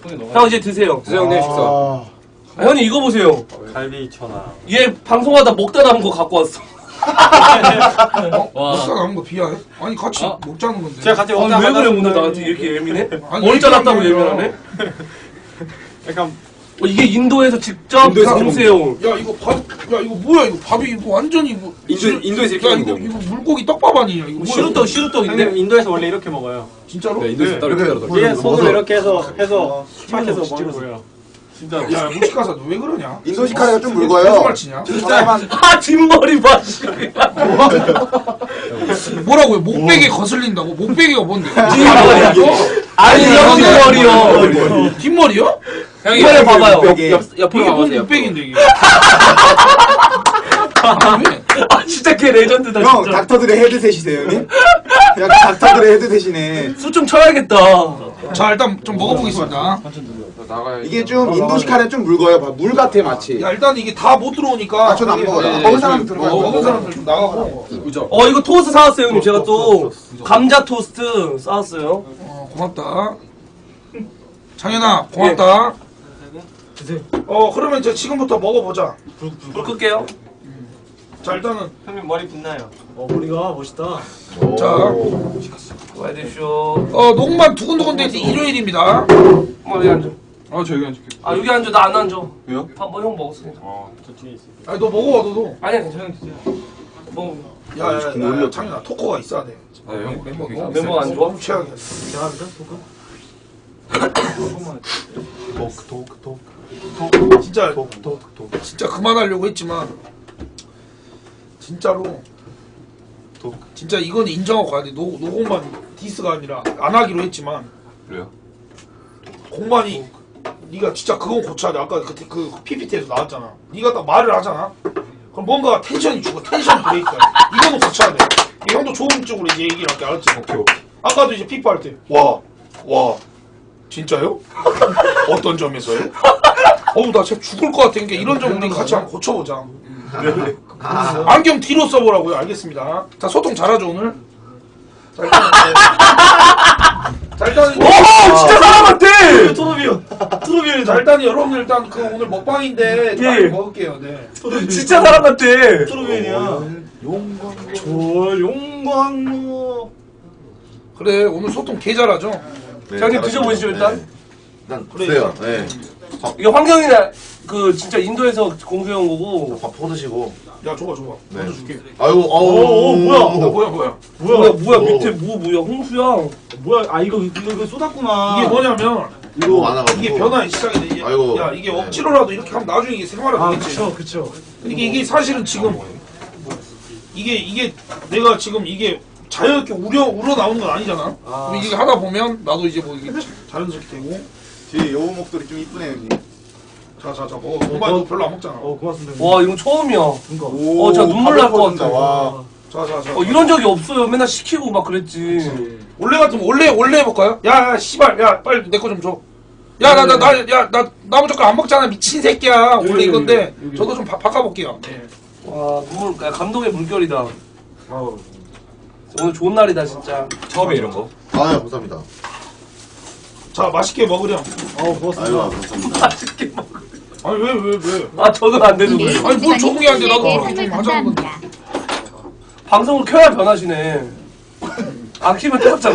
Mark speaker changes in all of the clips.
Speaker 1: 형 이제 드세요.
Speaker 2: 드세요 형님 식사.
Speaker 1: 형님 이거 보세요.
Speaker 3: 갈비 천하.
Speaker 1: 얘 방송하다 먹다 남은 거 갖고 왔어.
Speaker 4: 먹다 남은 거 비하해? 아니 같이 먹자는 건데.
Speaker 3: 제가 같이
Speaker 1: 왜 그래 오늘 나한테 이렇게 예민해? 머리 잘랐다고 예민하네?
Speaker 3: 약간
Speaker 1: 이게 인도에서 직접 감새우.
Speaker 4: 야 이거 밥, 야 이거 뭐야 이거 밥이 이거 완전히 이거.
Speaker 2: 인도에서 이렇게
Speaker 4: 야
Speaker 2: 먹는
Speaker 4: 이거 물고기 떡밥 아니냐 이거. 뭐야,
Speaker 1: 시루떡인데?
Speaker 3: 형님 인도에서 원래 이렇게 먹어요.
Speaker 4: 진짜로?
Speaker 2: 네 인도에서 따로 이렇게 따로.
Speaker 3: 이게 손으로 이렇게 해서 탁해서 먹는 거예요.
Speaker 4: 진짜. 야 무식하사 너 왜 그러냐?
Speaker 5: 인도식 카레가 좀 묽어요.
Speaker 4: 무슨 치냐?
Speaker 1: 진짜. 뒷머리 봐.
Speaker 4: 뭐라고요? 목베개 거슬린다고? 목베개가 뭔데?
Speaker 1: 아니 형 뒷머리요.
Speaker 4: 뒷머리요?
Speaker 1: 뒷머리 봐봐요.
Speaker 4: 이게
Speaker 1: 옆으로
Speaker 4: 뭔
Speaker 1: 가보세요.
Speaker 4: 목베개인데 이게? 아니 왜?
Speaker 1: 아 진짜 걔 레전드다
Speaker 5: 형
Speaker 1: 진짜.
Speaker 5: 닥터들의 헤드셋이세요 형님? 야 닥터들의 헤드셋이네.
Speaker 1: 술 좀 쳐야겠다.
Speaker 4: 자 일단 좀 먹어보겠습니다.
Speaker 5: 이게 좀 인도식 카레는 좀 묽어요. 물 같아 마치.
Speaker 4: 야 일단 이게 다 못 들어오니까.
Speaker 5: 저는 안 먹어요.
Speaker 4: 예,
Speaker 5: 먹은 사람 들어가요.
Speaker 4: 먹은 사람들 좀 나가고.
Speaker 1: 이거 토스트 사왔어요 형님. 제가 또 감자 토스트 사왔어요.
Speaker 4: 고맙다. 장현아 고맙다. 그러면 이제 지금부터 먹어보자.
Speaker 1: 불 끌게요.
Speaker 4: 자 일단은
Speaker 3: 형님 머리 빛나요.
Speaker 6: 머리가 멋있다.
Speaker 4: 자
Speaker 1: 와이드쇼.
Speaker 4: 녹음만 두근두근 되지 일요일입니다.
Speaker 1: 여기 앉아.
Speaker 2: 저 여기 앉을게.
Speaker 1: 아 여기 앉아. 나 안 앉아.
Speaker 2: 왜요?
Speaker 1: 형 먹었으니까.
Speaker 3: 저 뒤에 있어요.
Speaker 4: 아니 너 먹어봐 너도.
Speaker 1: 아니야 괜찮아 드세요. 뭐
Speaker 4: 야 장현아 토커가 있어야 돼.
Speaker 2: 형
Speaker 1: 멤버가 안 좋아?
Speaker 4: 너무 최악이야.
Speaker 6: 대단합니다, 토크.
Speaker 4: 진짜 그만하려고 했지만 진짜로 진짜 이건 인정하고 가야 돼. 노공만 디스가 아니라 안 하기로 했지만
Speaker 2: 그래요?
Speaker 4: 공만이 네가 진짜 그건 고쳐야 돼. 아까 그 PPT에서 나왔잖아. 네가 딱 말을 하잖아. 그럼 뭔가 텐션이 죽어. 텐션 브레이크야. 이거는 고쳐야 돼. 이 형도 좋은 쪽으로 이제 얘기를 할게. 알았지?
Speaker 2: 오케이.
Speaker 4: 아까도 이제 피파 할 때 와 진짜요? 어떤 점에서요? 나 진짜 죽을 것 같은 게 이런 점 우리 같이 한번 고쳐보자. 안경 뒤로 써보라고요. 알겠습니다. 자 소통 잘하죠 오늘. 자 일단
Speaker 1: 진짜 사람 같아.
Speaker 6: 트로비언.
Speaker 4: 자 일단 여러분들 일단 그 오늘 먹방인데 좀 많이 먹을게요. 네.
Speaker 1: 진짜 사람 같아.
Speaker 6: 트로비언이야. 용광로.
Speaker 4: 그래 오늘 소통 개 잘하죠.
Speaker 1: 형님 드셔보시죠 일단.
Speaker 5: 일단 드세요. 네.
Speaker 1: 이게 환경이나 그 진짜 인도에서 공수해온 거고.
Speaker 5: 밥 퍼드시고.
Speaker 4: 야 줘봐.
Speaker 5: 네.
Speaker 4: 먼저 줄게.
Speaker 5: 아이고
Speaker 6: 뭐야?
Speaker 1: 뭐야 밑에 뭐야 홍수야.
Speaker 6: 뭐야? 이거 쏟았구나.
Speaker 4: 이게 뭐냐면
Speaker 5: 이거 많아가지고.
Speaker 4: 이게 변화의 시작이네. 이게,
Speaker 5: 아이고.
Speaker 4: 야 이게 억지로라도 이렇게 하면 나중에 이게 생활화되겠지.
Speaker 6: 그쵸.
Speaker 4: 이게 사실은 지금 이게 내가 지금 이게 자연스럽게 우러 나오는 건 아니잖아. 그럼 이게 하다 보면 나도 이제 뭐 이게 자연스럽게 되고.
Speaker 5: 뒤에 여우 목소리 좀 이쁘네 형님.
Speaker 4: 자 먹어. 엄마도 별로 안 먹잖아.
Speaker 6: 고맙습니다.
Speaker 1: 와 이건 처음이야.
Speaker 5: 오,
Speaker 1: 진짜 눈물 날 것 같아.
Speaker 5: 와.
Speaker 4: 자.
Speaker 1: 이런 적이 없어요. 맨날 시키고 막 그랬지.
Speaker 4: 원래 같으면 원래 해볼까요? 야 씨발 야 빨리 내 거 좀 줘. 야 나 무조건 안 먹잖아 미친 새끼야. 원래 이건데 저도 좀 바꿔볼게요. 네.
Speaker 1: 와 눈물 감동의 물결이다. 오늘 좋은 날이다 진짜.
Speaker 2: 처음에 이런 거.
Speaker 5: 감사합니다.
Speaker 4: 자 맛있게 먹으렴.
Speaker 6: 고맙습니다.
Speaker 5: 아이고 감사합니다.
Speaker 1: 맛있게 먹어.
Speaker 4: 아니 왜?
Speaker 1: 아 적응 안 되는 거예요.
Speaker 4: 아니 뭘 적응이 안 돼. 나도 그렇게 좀 하자는 건데.
Speaker 1: 방송을 켜야 변하시네. 안 키면 똑같잖아.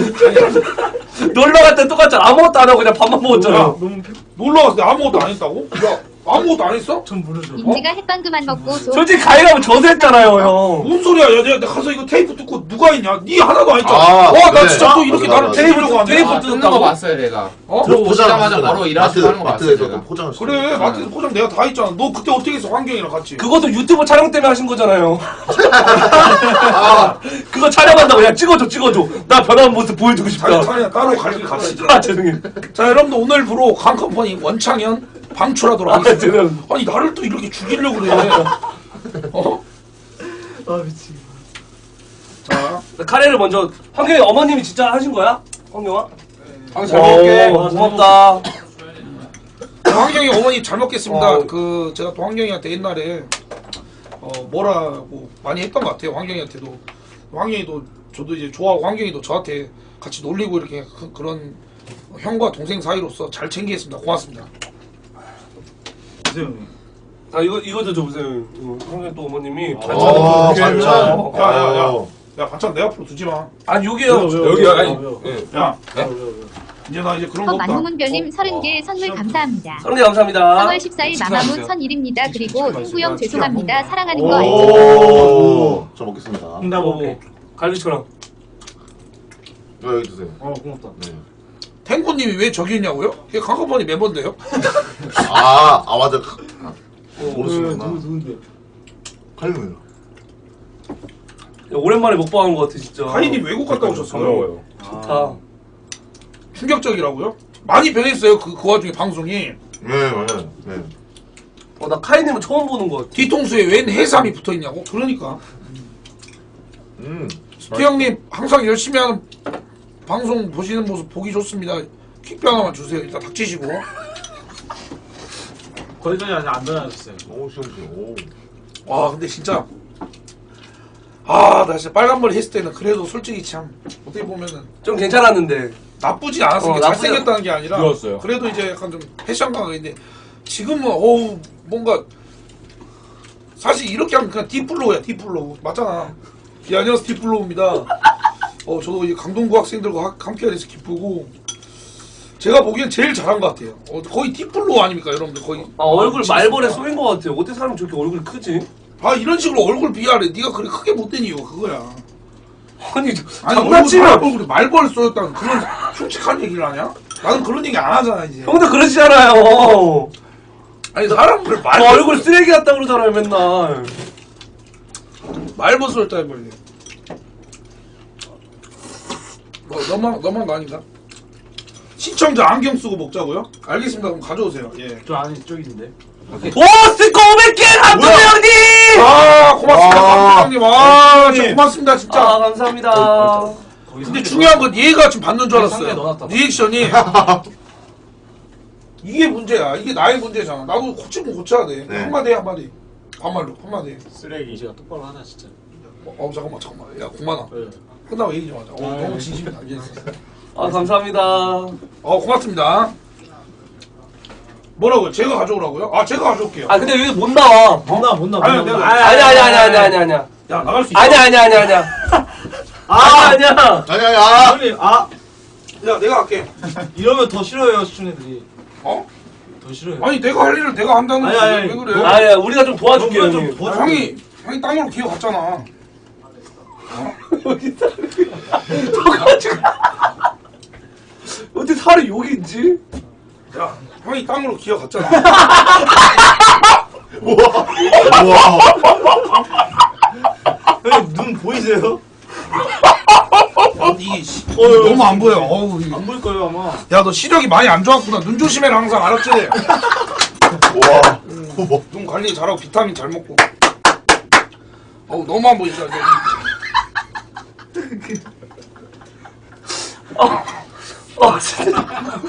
Speaker 1: 놀러 갈 때 똑같잖아. 아무것도 안 하고 그냥 밥만 먹었잖아.
Speaker 4: 놀러 갔을 때 아무것도 안 했다고? 야 아무것도 안 했어?
Speaker 6: 전 모르죠.
Speaker 7: 임지가 햇반 그만 먹고
Speaker 1: 솔직히 가위가면 저세했잖아요 형.
Speaker 4: 뭔 소리야? 야 내가 가서 이거 테이프 뜯고 누가 했냐? 니 하나도 안 했잖아.
Speaker 5: 아,
Speaker 4: 나
Speaker 5: 그래.
Speaker 4: 진짜 또 이렇게
Speaker 5: 맞아,
Speaker 4: 나를
Speaker 5: 맞아.
Speaker 4: 테이프려고 하네.
Speaker 1: 테이프
Speaker 8: 뜯는 거 봤어요 내가. 들어오시자마자 바로 일하시고 하는 거 봤어요
Speaker 5: 마트에서
Speaker 8: 제가.
Speaker 5: 포장을 시켜.
Speaker 4: 그래 마트에서 포장 내가 다 했잖아. 너 그때 어떻게 했어? 환경이랑 같이.
Speaker 1: 그것도 유튜브 촬영 때문에 하신 거잖아요. 그거 촬영한다고 야 찍어줘. 나 변한 모습 보여주고 싶다.
Speaker 4: 자기가 따로 갈 길 같이.
Speaker 1: 아 죄송해요.
Speaker 4: 자 여러분들 오늘부로 강컴퍼니 원창현 방출하도록 하겠습니다.
Speaker 1: 죄송해요.
Speaker 4: 아니 나를 또 이렇게 죽이려고 그래.
Speaker 6: 미치겠다.
Speaker 4: 자
Speaker 1: 카레를 먼저 환경이 어머님이 진짜 하신 거야? 환경아?
Speaker 2: 잘 먹을게.
Speaker 1: 고맙다.
Speaker 4: 환경이 어머니 잘 먹겠습니다.
Speaker 1: 어.
Speaker 4: 그 제가 또 환경이한테 옛날에 뭐라고 많이 했던 것 같아요. 환경이한테도. 환경이도 저도 이제 좋아하고 환경이도 저한테 같이 놀리고 이렇게 그런 형과 동생 사이로서 잘 챙기겠습니다. 고맙습니다.
Speaker 6: 보세요 형님.
Speaker 1: 아 이거도 줘보세요. 형님 또 어머님이
Speaker 8: 어,
Speaker 1: 반찬.
Speaker 8: 반찬.
Speaker 4: 야야야. 야 반찬 내 앞으로 두지 마.
Speaker 1: 아니 여기요.
Speaker 2: 여기요, 아니.
Speaker 4: 야 이제 나 이제 그런 거 없다.
Speaker 7: 만무문별님 30개 선물 감사합니다.
Speaker 1: 선생님 감사합니다.
Speaker 7: 3월 14일 마마무 선일입니다. 그리고 흥구형 죄송합니다. 사랑하는 거 알죠?
Speaker 8: 오. 저 먹겠습니다.
Speaker 6: 나 먹게.
Speaker 1: 갈비처럼.
Speaker 8: 이거 여기 드세요.
Speaker 6: 고맙다.
Speaker 8: 네.
Speaker 4: 탱고님이 왜 저기 있냐고요? 이게 강건번이 멤버인데요?
Speaker 8: 아 맞아. 모르시는구나.
Speaker 6: 누군데?
Speaker 8: 칼륨이요.
Speaker 1: 야, 오랜만에 먹방한 것 같아 진짜.
Speaker 4: 카이님 외국 갔다 오셨어요.
Speaker 2: 반가워요.
Speaker 1: 좋다.
Speaker 4: 충격적이라고요? 많이 변했어요. 그 와중에 방송이.
Speaker 8: 네 맞아요. 네.
Speaker 1: 나 카이님은 처음 보는 것 같아.
Speaker 4: 뒤통수에 웬 해삼이 붙어 있냐고? 그러니까. 스티 형님 항상 열심히 하는 방송 보시는 모습 보기 좋습니다. 퀵뷰 하나만 주세요. 일단 닥치시고.
Speaker 6: 거기까지 아직 안 변하셨어요.
Speaker 8: 오 시원시원. 오.
Speaker 4: 와 근데 진짜 나 진짜 빨간머리 했을 때는 그래도 솔직히 참 어떻게 보면은
Speaker 1: 좀 괜찮았는데.
Speaker 4: 나쁘지 않았어요.
Speaker 1: 나쁘지
Speaker 4: 잘생겼다는 게 아니라
Speaker 2: 그렇어요.
Speaker 4: 그래도 이제 약간 좀 패션감이 있는데 지금은 뭔가 사실 이렇게 하면 그냥 디플로우야 디플로우 맞잖아. 예 안녕하세요 디플로우입니다. 저도 이 강동구 학생들과 함께 돼서 기쁘고 제가 보기엔 제일 잘한 것 같아요. 거의 디플로우 아닙니까 여러분들 거의.
Speaker 1: 얼굴 말벌에 쏘인 것 같아. 어떻게 사람이 저렇게 얼굴이 크지?
Speaker 4: 이런 식으로 얼굴 비하래. 네가 그렇게 크게 못된 이유가 그거야.
Speaker 1: 아니
Speaker 4: 장난치면
Speaker 1: 장난치면
Speaker 4: 얼굴에 말벌 쏘였다는 그런 흉측한 얘기를 하냐? 나는 그런 얘기 안 하잖아 이제.
Speaker 1: 형도 그러시잖아요.
Speaker 4: 아니 사람을
Speaker 1: 저 얼굴 쓰레기 같다 그러잖아요 맨날.
Speaker 4: 말벌 쏘였다 해버리네. 너만 거 아닌가? 시청자 안경 쓰고 먹자고요? 알겠습니다. 그럼 가져오세요. 예.
Speaker 6: 저 안에 저기 있는데.
Speaker 1: 오 스티커 500개 감독 형님.
Speaker 4: 고맙습니다.
Speaker 8: 와.
Speaker 4: 감독님. 진짜 고맙습니다 진짜.
Speaker 1: 감사합니다.
Speaker 4: 근데 중요한 건 얘가 지금 받는 줄
Speaker 6: 상자에
Speaker 4: 알았어요.
Speaker 6: 넣어놨다.
Speaker 4: 리액션이 이게 문제야. 이게 나의 문제잖아. 나도 고치면 고쳐야 돼.
Speaker 8: 네.
Speaker 4: 한마디 한마디. 반말로 한마디.
Speaker 3: 쓰레기 제가 똑바로 하나 진짜.
Speaker 4: 잠깐만. 야 9만 원.
Speaker 6: 네.
Speaker 4: 끝나고 얘기 좀 하자.
Speaker 6: 아,
Speaker 4: 너무
Speaker 6: 네.
Speaker 4: 진심이 담겨있어.
Speaker 1: 감사합니다.
Speaker 4: 고맙습니다. 뭐라고요? 제가 가져오라고요? 제가 가져올게요.
Speaker 1: 근데 여기 못 나와.
Speaker 6: 못 나와.
Speaker 4: 아니, 내가-
Speaker 1: 아니야.
Speaker 4: 야 나갈 수 있어.
Speaker 1: 아니야. 아니야.
Speaker 8: 아니야.
Speaker 6: 형님
Speaker 4: 야 내가 할게.
Speaker 6: 이러면 더 싫어해요 시청자들이.
Speaker 4: 어?
Speaker 6: 더 싫어요.
Speaker 4: 아니 내가 할 일을 내가 한다는 거지.
Speaker 6: 아니.
Speaker 4: 왜 그래?
Speaker 1: 아니야. 우리가 좀 도와줄게요.
Speaker 6: 뭔가 좀
Speaker 1: 형님.
Speaker 6: 도와줘.
Speaker 4: 형이 땅으로 기어갔잖아.
Speaker 1: 어떻게 살이 여기 있지?
Speaker 4: 야 형이 땅으로 기어갔잖아.
Speaker 6: 형님 눈 보이세요?
Speaker 4: 이게 너무 안 보여.
Speaker 6: 안 보일 거예요 아마.
Speaker 4: 야 너 시력이 많이 안 좋았구나. 눈 조심해라 항상 알았지?
Speaker 8: 와.
Speaker 4: 눈 관리 잘하고 비타민 잘 먹고. 너무 안 보인다.
Speaker 1: 진짜.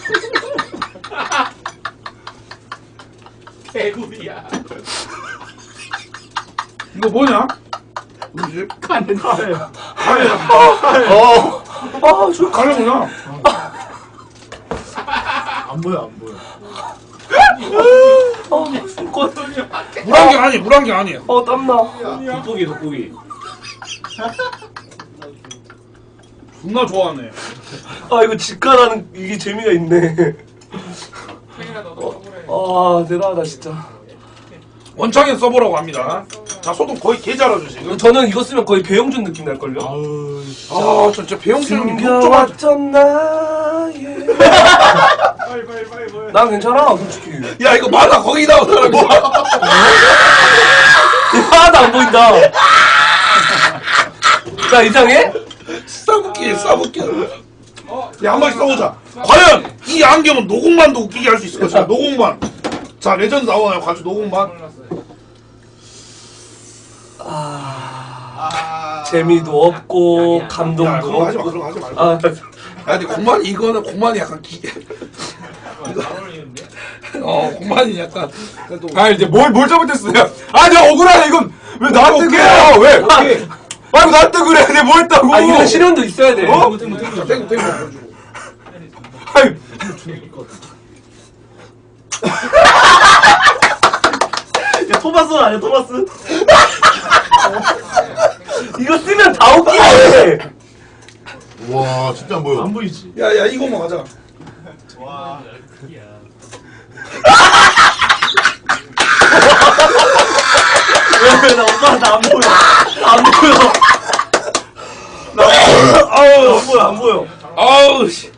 Speaker 3: 개구리야.
Speaker 4: 이거 뭐냐? 뭐지?
Speaker 6: 가래.
Speaker 1: 저
Speaker 4: 가려구나.
Speaker 6: 안 보여.
Speaker 4: 물안경 아니에요.
Speaker 1: 땀나.
Speaker 3: 돋보기.
Speaker 4: 존나 좋아하네.
Speaker 1: 이거 직관하는 이게 재미가 있네. 대단하다 진짜.
Speaker 4: 원창에 써보라고 합니다. 자 소독 거의 개 잘하죠 지금.
Speaker 1: 저는 이거 쓰면 거의 배용준 느낌 날걸요?
Speaker 4: 진짜 배용준 형님 욕좀 하자.
Speaker 1: 숨겨왔던 나의 난 괜찮아 솔직히.
Speaker 4: 야 이거 맞아 거기 나온 사람이.
Speaker 1: 이거 하나도 안 보인다. 나 이상해?
Speaker 4: 싸붙게. 야, 한 번씩 써보자. 과연 이 안경은 노공만도 웃기게 할 수 있을 것인가? 노공만. 자, 레전드 나오나요? 가지고 노공만.
Speaker 1: 재미도 없고 감동도
Speaker 4: 야, 그런 거 하지 마.
Speaker 1: 없고.
Speaker 4: 그런 거 하지 말고. 야, 근데 공만이 약간 공만이 약간 그래도.
Speaker 2: 이제 뭘 잘못했어요? 내가 억울하네 이건 왜 나한테 그래요? 왜? 이거 나한테 그래? 내가 뭐 했다고?
Speaker 1: 이런 실현도 있어야 돼.
Speaker 4: 자, 땡고 보여주고.
Speaker 2: 아니
Speaker 6: 야 토마스 아니야 토마스?
Speaker 1: 이거 쓰면 다 웃기네.
Speaker 9: 와 진짜 안 보여.
Speaker 6: 안 보이지?
Speaker 4: 야 이거만 가자.
Speaker 3: 와.
Speaker 6: 왜 나 엄마 나 안 보여.
Speaker 1: 안 보여.
Speaker 6: 아우 안 보여 안 보여.
Speaker 4: 아우 씨.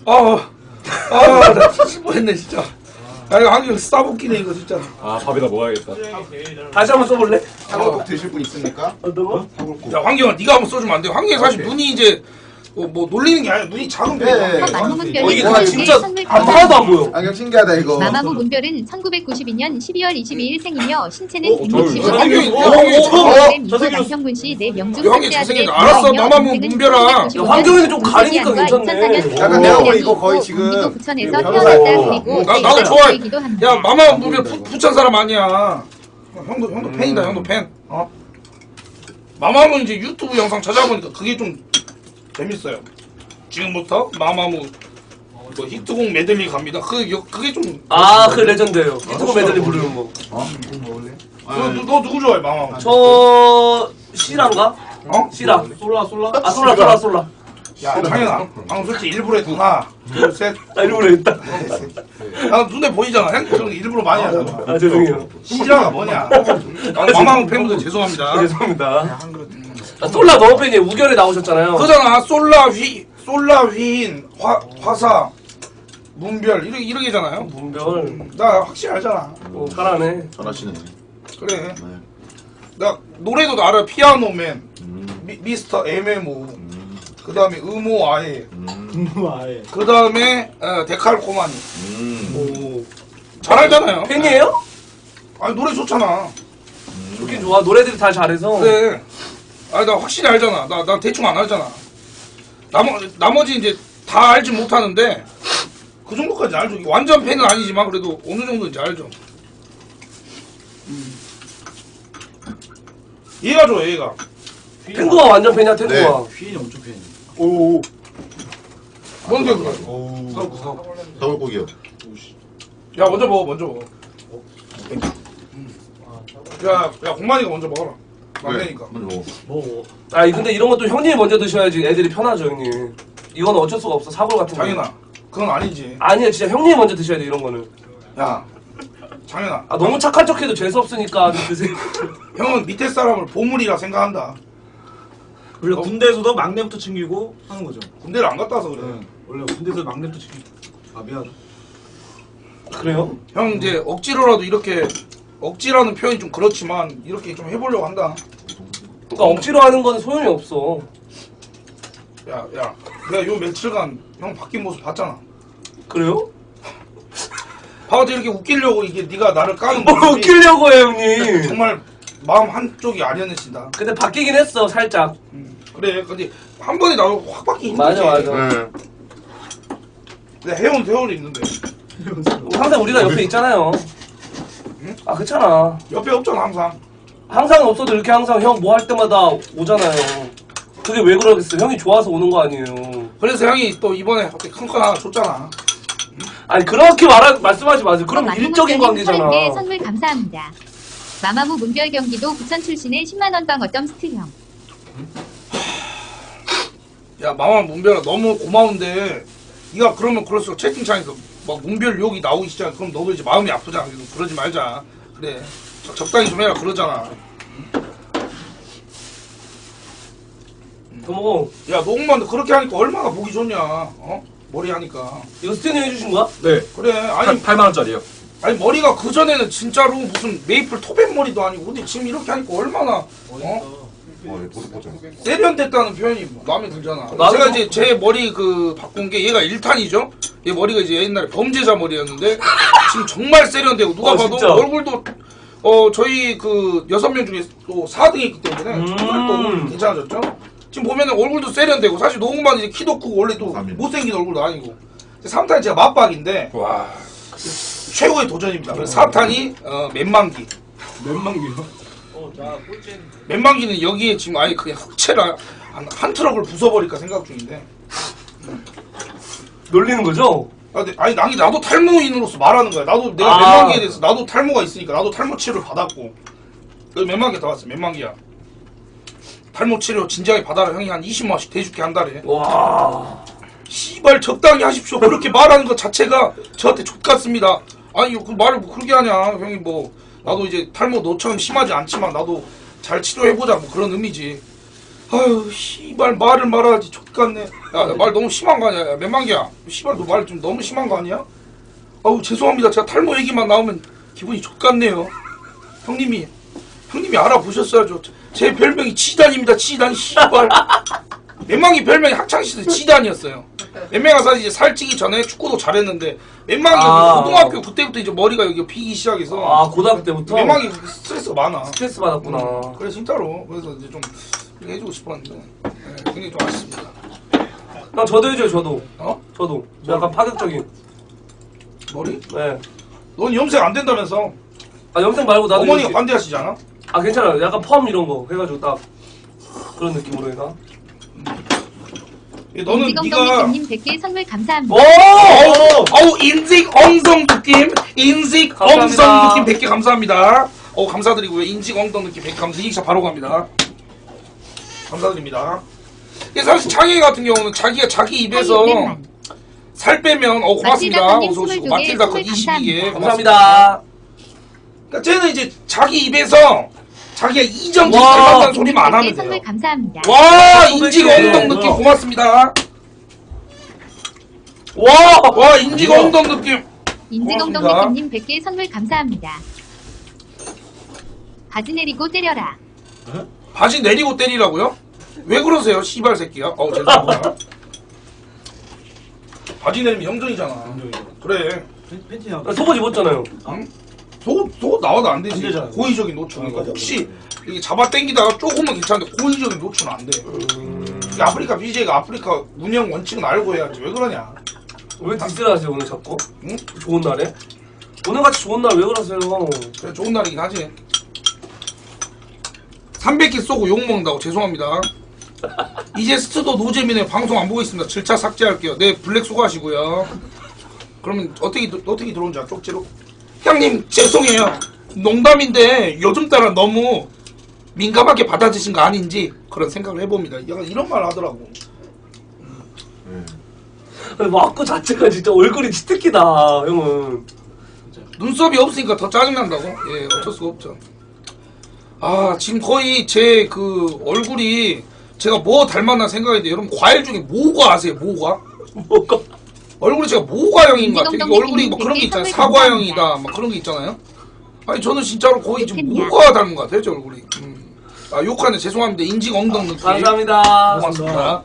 Speaker 4: 나 뒤질 뻔했네 진짜. 야 이거 안경 싸붙기네 이거 진짜.
Speaker 2: 아 밥에다 먹어야겠다.
Speaker 1: 다시 한번 써볼래?
Speaker 5: 사골국 드실 분 있습니까?
Speaker 1: 어떤 거?
Speaker 4: 야 환경아 네가 한번 써주면 안 돼? 환경이 사실 눈이 이제 뭐 놀리는 게 아니라 눈이 작은 편이야.
Speaker 5: 네.
Speaker 7: 만무문별은
Speaker 1: 이게
Speaker 5: 와,
Speaker 1: 진짜
Speaker 7: 선물
Speaker 1: 하나도 안 보여.
Speaker 5: 안경 신기하다 이거.
Speaker 7: 마마무 문별은 1992년 12월 22일 생이며 신체는
Speaker 4: 환경이
Speaker 7: 165cm,
Speaker 6: 저 새끼
Speaker 7: 남평군 씨 4명 중
Speaker 4: 환경이 잘생겼네. 알았어, 마마무 문별아.
Speaker 1: 야, 환경이는 좀 가리니까 괜찮네.
Speaker 5: 약간 내가 보기 이거 거의 지금
Speaker 7: 경기도 부천에서
Speaker 5: 이거
Speaker 7: 태어났다.
Speaker 5: 변호사고.
Speaker 7: 그리고
Speaker 4: 나도 좋아해.
Speaker 7: 기도 한다.
Speaker 4: 야 마마 문별 부천 사람 아니야. 형도 팬이다. 형도 팬. 마마무 이제 유튜브 영상 찾아보니까 그게 좀 재밌어요. 지금부터 마마무 뭐 히트곡 메들리 갑니다. 그게 좀.
Speaker 1: 아, 그 레전드예요. 히트곡 메들리 부르는 거.
Speaker 4: 너 누구 좋아해 마마무?
Speaker 1: 저 시라인가?
Speaker 4: 어?
Speaker 1: 시라.
Speaker 6: 솔라
Speaker 1: 아, 솔라.
Speaker 4: 야 장현아, 방금 솔직히 일부러 했다. 하나, 둘, 셋.
Speaker 1: 아, 일부러 했다.
Speaker 4: 나 눈에 보이잖아. 형 그런 거 일부러 많이 하잖아.
Speaker 1: 아, 죄송해요.
Speaker 4: 시라가 뭐냐? 마마무 팬분들 죄송합니다.
Speaker 1: 아, 죄송합니다. 아, 솔라 너무 팬이에요. 우결에 나오셨잖아요.
Speaker 4: 그잖아. 솔라 휘인 화사 문별 이렇게잖아요.
Speaker 1: 문별.
Speaker 4: 나 확실히 알잖아.
Speaker 1: 잘하네.
Speaker 9: 잘하시네.
Speaker 4: 그래. 나 노래도 알아. 피아노맨, 미스터 MMO. 그 다음에 음오 아예.
Speaker 6: 아예.
Speaker 4: 그 다음에 데칼코마니. 잘 알잖아요.
Speaker 1: 팬이에요?
Speaker 4: 아니 노래 좋잖아.
Speaker 1: 좋긴 좋아. 노래들이 다 잘해서.
Speaker 4: 그래. 아니 나 확실히 알잖아. 나 대충 안 알잖아. 나머지 이제 다 알지 못하는데 그 정도까지 알죠. 완전 팬은 아니지만 그래도 어느 정도 이제 알죠. 얘가 좋아 얘가.
Speaker 1: 탱구가 완전 팬이야, 탱구가.
Speaker 6: 휘인이 엄청 팬이.
Speaker 1: 오.
Speaker 4: 뭔데 그거?
Speaker 9: 사골국이요.
Speaker 4: 야 먼저 먹어. 야 공만이가 먼저 먹어라. 막내니까.
Speaker 9: 먼저 먹어.
Speaker 6: 뭐
Speaker 1: 아, 근데 이런 것도 형님이 먼저 드셔야지 애들이 편하죠, 형님. 이건 어쩔 수가 없어, 사골 같은 거.
Speaker 4: 장현아 그건 아니지.
Speaker 1: 아니야, 진짜 형님이 먼저 드셔야 돼, 이런 거는.
Speaker 4: 야 장현아.
Speaker 1: 아, 너무 착한 척 해도 재수없으니까 좀 드세요.
Speaker 4: 형은 밑에 사람을 보물이라 생각한다.
Speaker 6: 원래 군대에서도 막내부터 챙기고 하는 거죠.
Speaker 4: 군대를 안 갔다 와서 그래.
Speaker 6: 원래 군대에서 막내부터 챙기고. 아 미안.
Speaker 1: 그래요?
Speaker 4: 형 이제 억지로라도 이렇게 억지라는 표현이 좀 그렇지만 이렇게 좀 해보려고 한다.
Speaker 1: 그러니까 억지로 하는 건 소용이 없어.
Speaker 4: 야 내가 요 며칠간 형 바뀐 모습 봤잖아.
Speaker 1: 그래요?
Speaker 4: 봐도 이렇게 웃기려고 이게 네가 나를 까는
Speaker 1: 뭐
Speaker 4: 모습이
Speaker 1: 웃기려고 해, 형님.
Speaker 4: 정말 마음 한쪽이 아니었는다.
Speaker 1: 근데 바뀌긴 했어, 살짝.
Speaker 4: 그래 근데 한 번에 나도 확 바뀌기 힘들지.
Speaker 1: 맞아.
Speaker 9: 네.
Speaker 4: 근데 해온 세월이 있는데
Speaker 1: 항상 우리가 옆에 있잖아요. 아, 그렇잖아.
Speaker 4: 옆에 없잖아 항상.
Speaker 1: 항상 없어도 이렇게 항상 형 뭐 할 때마다 오잖아요. 그게 왜 그러겠어? 형이 좋아서 오는 거 아니에요.
Speaker 4: 그래서 형이 또 이번에 큰 거 하나 줬잖아.
Speaker 1: 아니, 그렇게 말씀하지 마세요. 그럼 일적인 관계잖아.
Speaker 7: 네, 선물 감사합니다. 마마무 문별 경기도 부천 출신의 10만원 빵 어쩜 스틸형.
Speaker 4: 야 마마 문별아 너무 고마운데 네가 그러면 그럴수록 채팅창에서 막 문별 욕이 나오기 시작해. 그럼 너도 이제 마음이 아프잖아. 그러지 말자. 그래 적당히 좀 해라 그러잖아.
Speaker 1: 더 먹어.
Speaker 4: 야 녹음만 그렇게 하니까 얼마나 보기 좋냐. 머리 하니까.
Speaker 1: 이거 스탠이 해주신 거야?
Speaker 2: 네.
Speaker 4: 그래 아니
Speaker 2: 8만 원짜리요.
Speaker 4: 아니 머리가 그 전에는 진짜로 무슨 메이플 토벤 머리도 아니고 근데 지금 이렇게 하니까 얼마나 세련됐다는 표현이 마음에 들잖아. 제가 이제 제 머리 그 바꾼 게 얘가 1탄이죠. 얘 머리가 이제 옛날에 범죄자 머리였는데 지금 정말 세련되고 누가 봐도
Speaker 1: 진짜?
Speaker 4: 얼굴도 저희 그 6명 중에 또 4등했기 때문에 정말 또 괜찮아졌죠. 지금 보면은 얼굴도 세련되고 사실 노홍만 이제 키도 크고 원래 또 못생긴 얼굴도 아니고 3탄이 제가 맞박인데
Speaker 2: 와.
Speaker 4: 최고의 도전입니다. 그래서 4탄이 맨만기.
Speaker 6: 몇만기요? 자 꼴찌.
Speaker 4: 맨만기는 여기에 지금 아예 그냥 흑채라 한 트럭을 부숴버릴까 생각 중인데.
Speaker 1: 놀리는 거죠?
Speaker 4: 아니 나도 탈모인으로서 말하는 거야. 나도 내가 맨망기에 대해서 나도 탈모가 있으니까 나도 탈모 치료를 받았고. 여기 맨망기 다 왔어. 맨망기야. 탈모 치료 진지하게 받아라. 형이 한 20만 원씩 대줄게 한 달에.
Speaker 1: 와.
Speaker 4: 씨발 적당히 하십시오. 그렇게 말하는 것 자체가 저한테 족같습니다. 아니 그 말을 뭐 그렇게 하냐. 형이 뭐 나도 이제 탈모 너처럼 심하지 않지만 나도 잘 치료해보자 뭐 그런 의미지. 아유 씨발 말을 말하지 족같네. 야 말 너무 심한 거 아니야. 야, 맨망기야. 씨발 너 말 좀 너무 심한 거 아니야? 아우 죄송합니다. 제가 탈모 얘기만 나오면 기분이 족같네요. 형님이 알아보셨어야죠. 제 별명이 지단입니다. 지단 씨발. 맨망이 별명이 학창시절 지단이었어요. 맨망이가 사실 이제 살찌기 전에 축구도 잘했는데 맨망이 고등학교 그때부터 이제 머리가 여기 피기 시작해서
Speaker 1: 고등학교 때부터?
Speaker 4: 맨망이 스트레스가 많아.
Speaker 1: 스트레스 받았구나.
Speaker 4: 그래 진짜로. 그래서 이제 좀 이렇게 해주고 싶었는데 굉장히 좀 아쉽습니다.
Speaker 1: 형 저도 해줘요. 저도.
Speaker 4: 어?
Speaker 1: 저도. 약간 파격적인.
Speaker 4: 머리?
Speaker 1: 네.
Speaker 4: 넌 염색 안 된다면서?
Speaker 1: 염색 말고 나도.
Speaker 4: 어머니가 반대하시지 않아?
Speaker 1: 괜찮아요. 약간 펌 이런 거 해가지고 딱 그런 느낌으로 해가.
Speaker 4: 너는 네가
Speaker 7: 님 100개 선물 감사합니다.
Speaker 4: 어우 인직 엉덩 느낌 인직 엉덩 느낌 100개 감사합니다. 감사드리고요. 인직 엉덩 느낌 100개 감사. 이익차 바로 갑니다. 감사드립니다. 사실 창희 같은 경우는 자기가 자기 입에서 살 빼면 고맙습니다. 어서 오시고 마틸다컷 22개
Speaker 1: 감사합니다.
Speaker 4: 그러니까 쟤는 이제 자기 입에서 자기가 이정지 닮았다는 소리만 안 하면 돼요.
Speaker 7: 선물 감사합니다.
Speaker 4: 와 인직 엉덩 느낌 고맙습니다. 와 인직 엉덩 느낌.
Speaker 7: 인지공동님 100개 선물 감사합니다. 바지 내리고 때려라.
Speaker 4: 바지 내리고 때리라고요? 왜 그러세요 씨발 새끼야. 죄송합니다. 바지 내리면 형전이잖아. 그래.
Speaker 6: 팬티나
Speaker 1: 속옷 입었잖아요.
Speaker 4: 속옷 나와도 안 되지.
Speaker 6: 안 되잖아.
Speaker 4: 고의적인 노출은. 혹시 이게 잡아 당기다가 조금은 괜찮은데 고의적인 노출은 안 돼. 이 아프리카 BJ가 아프리카 운영 원칙은 알고 해야지. 왜 그러냐.
Speaker 1: 왜 디스를 하세요 오늘 자꾸?
Speaker 4: 응?
Speaker 1: 좋은 날에? 오늘같이 좋은 날 왜 그러세요?
Speaker 4: 그래 좋은 날이긴 하지. 300개 쏘고 욕먹는다고 죄송합니다. 이제 스트도 노잼이네. 방송 안 보고 있습니다. 질차 삭제할게요. 네 블랙 수고하시고요. 그러면 어떻게 들어온지 알아? 쪽지로? 형님 죄송해요. 농담인데 요즘 따라 너무 민감하게 받아주신 거 아닌지 그런 생각을 해봅니다. 약간 이런 말 하더라고.
Speaker 1: 마크 자체가 진짜 얼굴이 치트키다 형은.
Speaker 4: 눈썹이 없으니까 더 짜증난다고? 예 어쩔 수가 없죠. 지금 거의 제 그 얼굴이 제가 뭐 닮았나 생각했는데 여러분 과일 중에 모과 아세요? 모과?
Speaker 1: 뭐가?
Speaker 4: 얼굴이 제가 모과형인 것 같아요. 이게 얼굴이 뭐 그런 게 있잖아요. 사과형이다 막 그런 게 있잖아요. 아니 저는 진짜로 거의 지금 모과 닮은 것 같아요. 제 얼굴이. 욕하네 죄송합니다. 인직 엉덩 느낌.
Speaker 1: 감사합니다.
Speaker 4: 고맙습니다.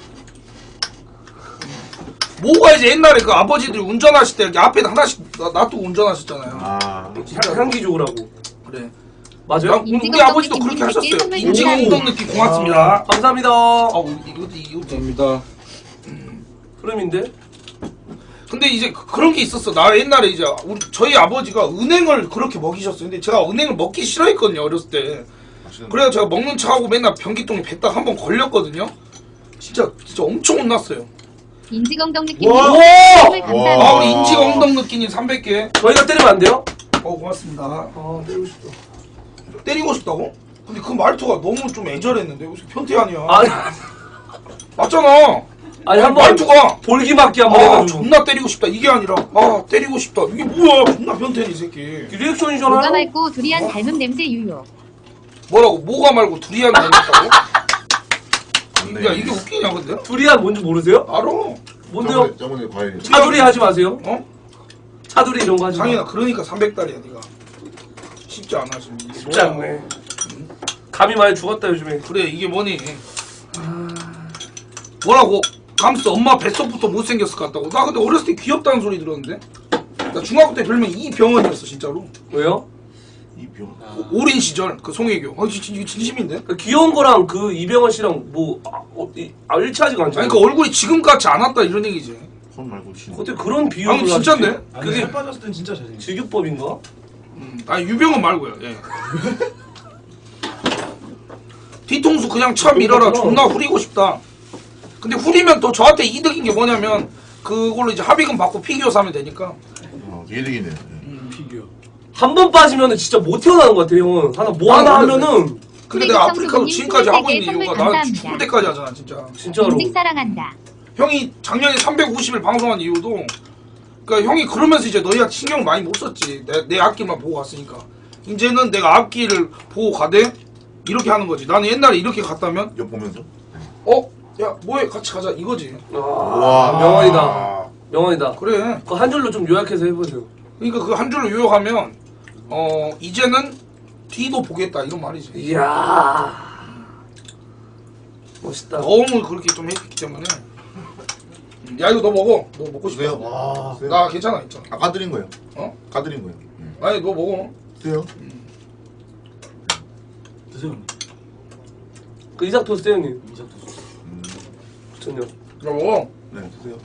Speaker 4: 모가 이제 옛날에 그 아버지들이 운전하실 때 이렇게 앞에다 하나씩 놔두고 운전하셨잖아요.
Speaker 1: 진짜 향기 좋으라고.
Speaker 4: 그래.
Speaker 1: 맞아요?
Speaker 4: 우리 아버지도 그렇게 하셨어요. 인직 엉덩 느낌 고맙습니다.
Speaker 1: 감사합니다.
Speaker 4: 이것도
Speaker 2: 감사합니다.
Speaker 1: 흐름인데?
Speaker 4: 근데 이제 그런 게 있었어. 나 옛날에 이제 저희 아버지가 은행을 그렇게 먹이셨어요. 근데 제가 은행을 먹기 싫어했거든요. 어렸을 때. 그래서 제가 먹는 차하고 맨날 변기통에 뱉다가 한번 걸렸거든요. 진짜 엄청 혼났어요.
Speaker 7: 인지공동님
Speaker 1: 와!
Speaker 7: 선물 감사합니다.
Speaker 4: 우리 인직 엉덩 느끼님 300개.
Speaker 1: 저희가 때리면 안 돼요?
Speaker 4: 고맙습니다.
Speaker 1: 때리고 싶다.
Speaker 4: 때리고 싶다고? 근데 그 말투가 너무 좀 애절했는데 무슨 변태 아니야? 맞잖아.
Speaker 1: 한번
Speaker 4: 말투가
Speaker 1: 볼기 맞기 한번 해가지고.
Speaker 4: 존나 때리고 싶다 이게 아니라 때리고 싶다 이게 뭐야? 존나 변태네 이 새끼.
Speaker 1: 리액션이잖아요.
Speaker 7: 뭐가 맑고 두리안 닮은 냄새 유효.
Speaker 4: 뭐라고? 뭐가 말고 두리안 닮았다고? 야 이게 웃기냐 근데?
Speaker 1: 두리안 뭔지 모르세요?
Speaker 4: 알아.
Speaker 1: 뭔데요?
Speaker 9: 저번에 과일.
Speaker 1: 차두리 하지 마세요. 차두리 이런 거 하지 마.
Speaker 4: 상인아 그러니까 300달이야 네가. 쉽지 않아 지금.
Speaker 1: 쉽지 않네. 감이 많이 죽었다 요즘에.
Speaker 4: 그래 이게 뭐니? 뭐라고? 감스 엄마 뱃속부터 못생겼을 것 같다고. 나 근데 어렸을 때 귀엽다는 소리 들었는데. 나 중학교 때 별명 이병헌이었어 진짜로.
Speaker 1: 왜요?
Speaker 9: 이병.
Speaker 4: 오랜 시절 그 송혜교. 이거 진심인데?
Speaker 1: 그 귀여운 거랑 그 이병헌 씨랑 뭐 일치하지가 않잖아요.
Speaker 4: 아니 그 얼굴이 지금 같지 않았다 이런 얘기지.
Speaker 9: 손 말고 신.
Speaker 1: 어떻게 그런 비유를
Speaker 4: 아니 진짠데?
Speaker 6: 아니
Speaker 1: 그게
Speaker 6: 살 빠졌을 땐 진짜 잘생겼어.
Speaker 1: 직유법인가?
Speaker 4: 아니 유병헌 말고요. 예. 뒤통수 그냥 쳐 밀어라. 존나 후리고 싶다. 근데 후리면 또 저한테 이득인 게 뭐냐면 그걸로 이제 합의금 받고 피규어 사면 되니까.
Speaker 9: 이득이네.
Speaker 1: 한 번 빠지면은 진짜 못 태어나는 것 같아 형은. 하나 뭐 하나 하면은
Speaker 4: 근데
Speaker 7: 쓰레기
Speaker 4: 내가 아프리카도
Speaker 7: 청소부님
Speaker 4: 지금까지 하고
Speaker 7: 23개
Speaker 4: 있는 이유가
Speaker 7: 선물
Speaker 4: 나
Speaker 7: 감사합니다.
Speaker 4: 죽을 때까지 하잖아 진짜.
Speaker 1: 진짜로.
Speaker 7: 인식 사랑한다.
Speaker 4: 형이 작년에 350일 방송한 이유도 그러니까 형이 그러면서 이제 너희한테 신경 많이 못 썼지. 내 앞길만 보고 갔으니까. 이제는 내가 앞길을 보고 가되 이렇게 하는 거지. 나는 옛날에 이렇게 갔다면
Speaker 9: 옆 보면서.
Speaker 4: 야 뭐해 같이 가자 이거지.
Speaker 1: 와 명언이다. 명언이다.
Speaker 4: 그래.
Speaker 1: 그 한 줄로 좀 요약해서 해보세요.
Speaker 4: 그러니까 그 한 줄로 요약하면 이제는 뒤도 보겠다 이런 말이지.
Speaker 1: 이야 멋있다.
Speaker 4: 너무 그렇게 좀 했기 때문에. 야 이거 너 먹어. 너 먹고 싶어.
Speaker 9: 드세요. 와.
Speaker 4: 나 괜찮아 있잖아.
Speaker 9: 까드린 거예요.
Speaker 4: 어?
Speaker 9: 까드린 거예요.
Speaker 4: 아니 너 먹어.
Speaker 9: 드세요.
Speaker 6: 드세요.
Speaker 1: 그 이삭 토스트 형님.
Speaker 6: 이삭 토스트.
Speaker 1: 전혀.
Speaker 4: 야 먹어.
Speaker 9: 네, 드세요.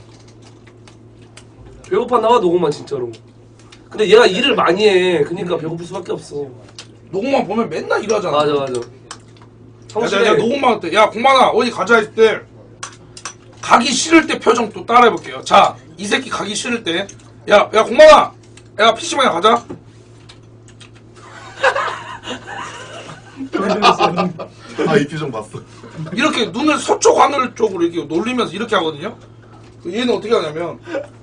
Speaker 1: 배고팠나 봐 노공만 진짜로. 근데 얘가 일을 많이 해. 그러니까 배고플 수밖에 없어.
Speaker 4: 노공만 보면 맨날 일하잖아.
Speaker 1: 맞아 맞아.
Speaker 4: 야,
Speaker 1: 성실해.
Speaker 4: 내가 노공만 때, 야 공만아 어디 가자 했을 때 가기 싫을 때 표정 또 따라해볼게요. 자, 이 새끼 가기 싫을 때, 야 공만아, 야 PC방에 가자.
Speaker 9: 이 표정 봤어.
Speaker 4: 이렇게 눈을 서쪽 하늘 쪽으로 이렇게 놀리면서 이렇게 하거든요. 얘는 어떻게 하냐면,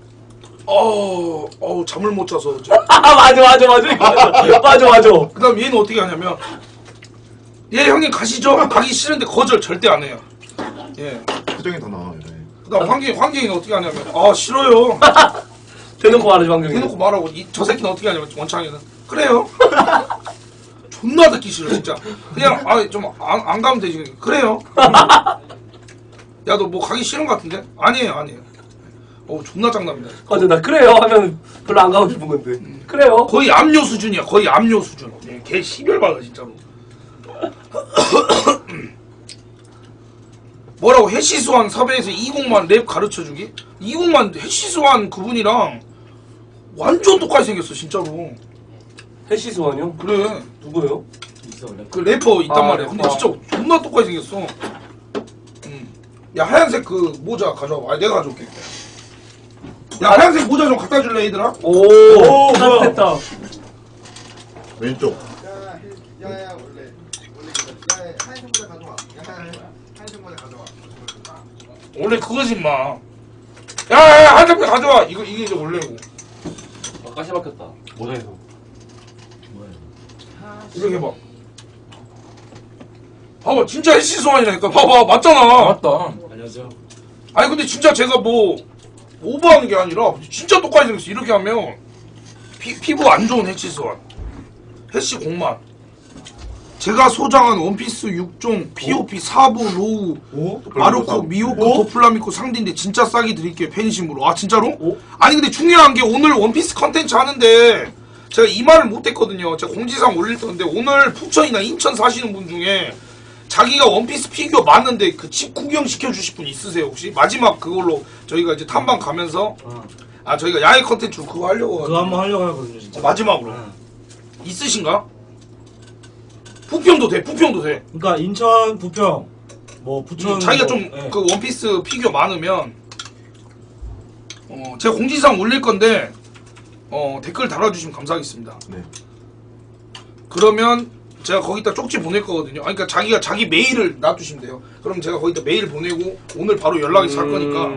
Speaker 4: 잠을 못 자서 어제.
Speaker 1: 맞아. 맞아.
Speaker 4: 그다음 얘는 어떻게 하냐면, 형님 가시죠. 가기 싫은데 거절 절대 안 해요. 예.
Speaker 9: 표정이 더 나와요. 네.
Speaker 4: 그다음 환경이는 어떻게 하냐면, 싫어요.
Speaker 1: 대놓고 말하지 방경이.
Speaker 4: 대놓고 말하고 저 새끼는 어떻게 하냐면 원창이는 그래요. 존나 듣기 싫어 진짜. 그냥 좀 안 가면 되지. 그래요. 야 너 뭐 가기 싫은 것 같은데? 아니에요. 존나 장난이다.
Speaker 1: 맞아 나 그래요 하면 별로 안 가고 싶은 건데. 그래요.
Speaker 4: 거의 압류 수준이야. 거의 압류 수준. 걔 시별받아 진짜로. 뭐라고 해시수환 섭외에서 이공만 랩 가르쳐주기? 이공만 해시수환 그분이랑 완전 똑같이 생겼어 진짜로.
Speaker 1: 해시수환이요?
Speaker 4: 그래.
Speaker 1: 누구예요?
Speaker 6: 있어 원래.
Speaker 4: 그 래퍼 있단 말이야. 근데
Speaker 1: 래퍼.
Speaker 4: 진짜 존나 똑같이 생겼어. 야 하얀색 그 모자 가져와. 내가 가져올게. 야 하얀색 모자 좀 갖다 줄래 얘들아?
Speaker 1: 오 따뜻했다.
Speaker 9: 왼쪽.
Speaker 5: 야야 원래 하얀색 모자 가져와. 하얀색 모자 가져와.
Speaker 4: 원래 그거지 마. 야 하얀색 모자 가져와. 이게 이제 원래고.
Speaker 3: 가시 박혔다.
Speaker 6: 모자에서.
Speaker 4: 이렇게 해봐. 봐봐 진짜 해시소환이라니까. 봐봐 맞잖아.
Speaker 2: 맞다.
Speaker 6: 안녕하세요.
Speaker 4: 아니 근데 진짜 제가 뭐 오버하는 게 아니라 진짜 똑같이 생겼어. 이렇게 하면 피부 안 좋은 해시소환. 해시 공만. 제가 소장한 원피스 6종 POP 4부 로우 마르코 미오코 도플라미코 상디인데 진짜 싸게 드릴게요 팬심으로. 아 진짜로? 아니 근데 중요한 게 오늘 원피스 컨텐츠 하는데 제가 이 말을 못했거든요. 제가 공지사항 올릴 건데 오늘 부천이나 인천 사시는 분 중에 자기가 원피스 피규어 맞는데 그 집 구경 시켜주실 분 있으세요 혹시? 마지막 그걸로 저희가 이제 탐방 가면서 저희가 야외 컨텐츠로 그거 하려고
Speaker 6: 그거 한번 하려고 하거든요 진짜.
Speaker 4: 마지막으로 있으신가? 부평도 돼.
Speaker 6: 그러니까 인천, 부평, 뭐 부천.
Speaker 4: 자기가
Speaker 6: 뭐,
Speaker 4: 좀
Speaker 6: 예.
Speaker 4: 그 원피스 피규어 많으면 제가 공지사항 올릴 건데 댓글 달아주시면 감사하겠습니다.
Speaker 9: 네.
Speaker 4: 그러면 제가 거기다 쪽지 보낼 거거든요. 그러니까 자기가 자기 메일을 놔두시면 돼요. 그럼 제가 거기다 메일 보내고 오늘 바로 연락이 잘 거니까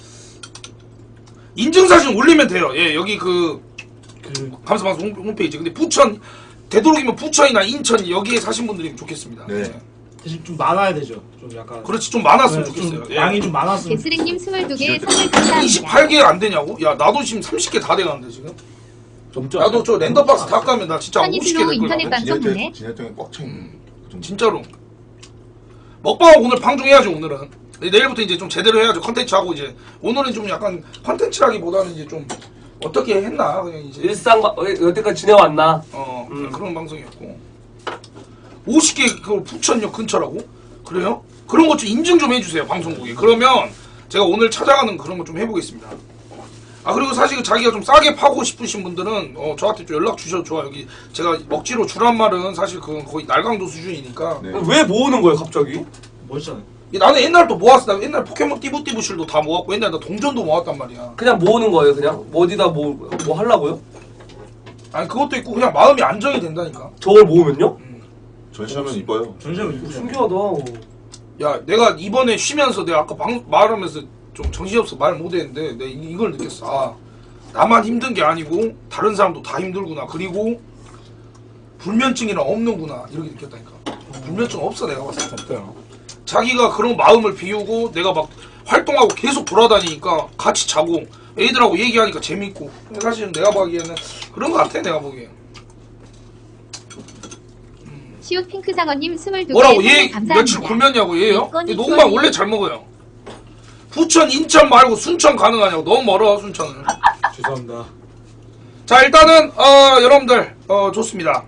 Speaker 4: 인증사진 올리면 돼요. 예, 여기 그 감사방송 홈페이지. 근데 부천 되도록이면 부천이나 인천 여기에 사신 분들이 좋겠습니다.
Speaker 9: 네.
Speaker 4: 예.
Speaker 6: 대신 좀 많아야 되죠. 좀 약간.
Speaker 4: 그렇지 좀 많았으면
Speaker 6: 네,
Speaker 4: 좋겠어요.
Speaker 6: 좀
Speaker 4: 예.
Speaker 6: 양이 좀 많았으면.
Speaker 7: 개스랭님 22개 선물 감사합니다.
Speaker 4: 28개 안 되냐고? 야 나도 지금 30개 다 돼가는데 지금.
Speaker 1: 점점.
Speaker 4: 나도 저 랜덤박스 다 까면 나 진짜 50개
Speaker 7: 선이슬로
Speaker 4: 될
Speaker 7: 인터넷
Speaker 4: 거야.
Speaker 7: 방송 보내.
Speaker 9: 진열장에 꽉 차 있는.
Speaker 4: 진짜로. 먹방 오늘 방송해야죠 오늘은. 내일부터 이제 좀 제대로 해야죠. 컨텐츠 하고 이제 오늘은 좀 약간 컨텐츠라기보다는 이제 좀 어떻게 했나 그냥 이제
Speaker 1: 일상 여태까지 지내왔나?
Speaker 4: 그런 방송이었고 50개 그걸 부천역 근처라고? 그래요? 그런 것 좀 인증 좀 해주세요 방송국에. 그러면 제가 오늘 찾아가는 그런 거 좀 해보겠습니다. 그리고 사실 자기가 좀 싸게 파고 싶으신 분들은 저한테 좀 연락 주셔도 좋아요. 여기 제가 억지로 주란 말은 사실 그건 거의 날강도 수준이니까.
Speaker 9: 네.
Speaker 1: 왜 모으는 거예요 갑자기?
Speaker 6: 멋있잖아요.
Speaker 4: 나는 옛날부터 모았어. 나 옛날 포켓몬 띠부띠부실도 다 모았고 옛날 나 동전도 모았단 말이야.
Speaker 1: 그냥 모으는 거예요 그냥? 어디다 뭐 하려고요?
Speaker 4: 아니 그것도 있고 그냥 마음이 안정이 된다니까.
Speaker 1: 저걸 모으면요?
Speaker 9: 전시하면 이뻐요.
Speaker 6: 전시하면 이쁘죠.
Speaker 1: 신기하다.
Speaker 4: 야 내가 이번에 쉬면서 내가 아까 말하면서 좀 정신없어 말 못했는데 내가 이걸 느꼈어. 아 나만 힘든 게 아니고 다른 사람도 다 힘들구나. 그리고 불면증이나 없는구나 이렇게 느꼈다니까. 불면증 없어 내가 봤을 때.
Speaker 2: 없대요.
Speaker 4: 자기가 그런 마음을 비우고 내가 막 활동하고 계속 돌아다니니까 같이 자고 애들하고 얘기하니까 재밌고. 사실은 내가 보기에는 그런 거 같아 내가 보기에.
Speaker 7: 시옷 핑크상어님 22개
Speaker 4: 뭐라고
Speaker 7: 선물
Speaker 4: 얘
Speaker 7: 감사합니다.
Speaker 4: 며칠 굶었냐고 얘요?
Speaker 7: 이건이
Speaker 4: 녹음방
Speaker 7: 이건이.
Speaker 4: 원래 잘 먹어요. 부천 인천 말고 순천 가능하냐고. 너무 멀어 순천은.
Speaker 6: 죄송합니다.
Speaker 4: 자 일단은 여러분들 좋습니다.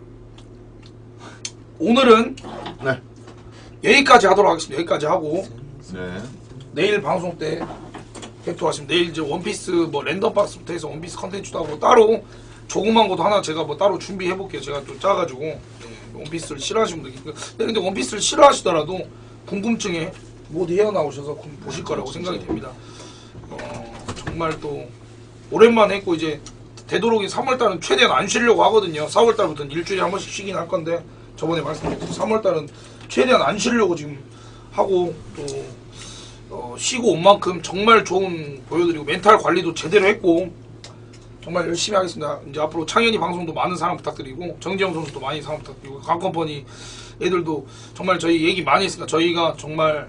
Speaker 4: 오늘은
Speaker 9: 네.
Speaker 4: 여기까지 하도록 하겠습니다. 여기까지 하고
Speaker 9: 네.
Speaker 4: 내일 방송 때 뵙도록 내일 이제 원피스 뭐 랜덤박스부터 해서 원피스 컨텐츠도 하고 따로 조그만 것도 하나 제가 뭐 따로 준비해 볼게요. 제가 또 짜가지고 원피스를 싫어하시는 분들 있고 근데 원피스를 싫어하시더라도 궁금증에 모두 헤어나오셔서 보실 거라고 생각이 됩니다. 정말 또 오랜만에 했고 이제 되도록이 3월달은 최대한 안 쉬려고 하거든요. 4월달부터는 일주일에 한 번씩 쉬긴 할 건데 저번에 말씀드렸듯이 3월달은 최대한 안 쉬려고 지금 하고 또 쉬고 온 만큼 정말 좋은 보여드리고 멘탈 관리도 제대로 했고 정말 열심히 하겠습니다. 이제 앞으로 창현이 방송도 많은 사랑 부탁드리고 정지영 선수도 많이 사랑 부탁드리고 강컴퍼니 애들도 정말 저희 얘기 많이 했으니까 저희가 정말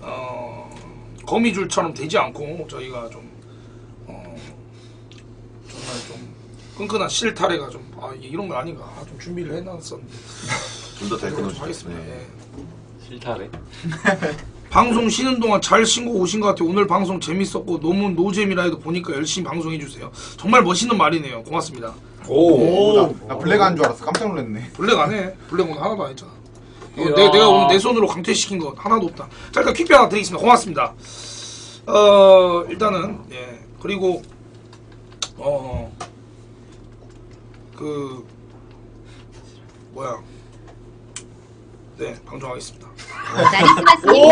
Speaker 4: 거미줄처럼 되지 않고 저희가 좀 정말 좀 끈끈한 실타래가 좀 이런 거 아닌가 좀 준비를 해놨었는데
Speaker 9: 좀 더 잘
Speaker 4: 그렇게
Speaker 9: 끊어주세요.
Speaker 4: 하겠습니다.
Speaker 9: 네.
Speaker 3: 싫다래.
Speaker 4: 방송 쉬는 동안 잘 신고 오신 것 같아요. 오늘 방송 재밌었고 너무 노잼이라 해도 보니까 열심히 방송해주세요. 정말 멋있는 말이네요. 고맙습니다.
Speaker 5: 오. 나 블랙 한 줄 알았어. 깜짝 놀랐네.
Speaker 4: 블랙 안 해. 블랙 오늘 하나도 안 했잖아.
Speaker 1: 이야.
Speaker 4: 내가 오늘 내 손으로 강퇴시킨 거 하나도 없다. 자 일단 퀵뷰 하나 드리겠습니다. 고맙습니다. 일단은 예 그리고 그 뭐야 네 방송하겠습니다.
Speaker 7: 나리스마스님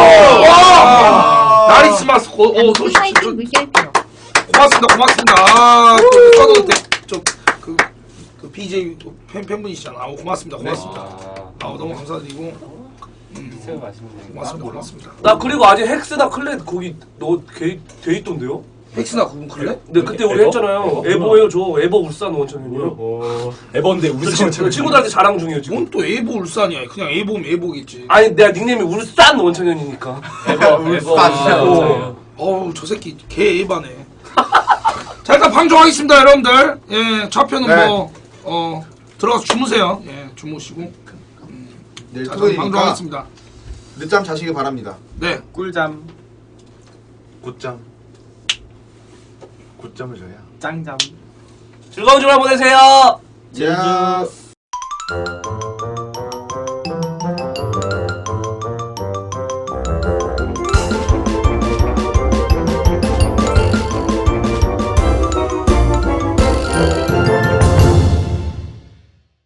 Speaker 4: 나리스마스
Speaker 7: 방송 화이팅 물결표.
Speaker 4: 고맙습니다. 또 그 BJ 팬분이시잖아. 고맙습니다. 너무 감사드리고
Speaker 3: 새우 맛있는
Speaker 4: 고맙습니다.
Speaker 1: 나 그리고 아직 헥스나 클렛 거기 돼 있던데요?
Speaker 4: 헥스나 그분 그래?
Speaker 1: 근데 그때 우리
Speaker 6: 에버?
Speaker 1: 했잖아요. 에버예요 저. 에버 울산 원천현이요.
Speaker 6: 에버인데 우리
Speaker 1: 친구들한테 자랑 중이에요 지금.
Speaker 4: 뭔 또 에보 울산이야. 그냥 에보면 에보겠지.
Speaker 1: 아니 내가 닉네임이 울산 원천현이니까.
Speaker 3: 에버.
Speaker 4: 어우 저 새끼 개 에바네. 자 일단 방송하겠습니다 여러분들. 예 좌표는
Speaker 5: 네.
Speaker 4: 뭐 들어가서 주무세요. 예 주무시고.
Speaker 5: 내일
Speaker 4: 자
Speaker 5: 토요일이니까
Speaker 4: 방송하겠습니다.
Speaker 5: 늦잠 자시길 바랍니다.
Speaker 4: 네.
Speaker 6: 꿀잠,
Speaker 9: 굿잠. 굿잠을 줘야.
Speaker 6: 짱잠.
Speaker 1: 즐거운 주말 보내세요.
Speaker 5: 야.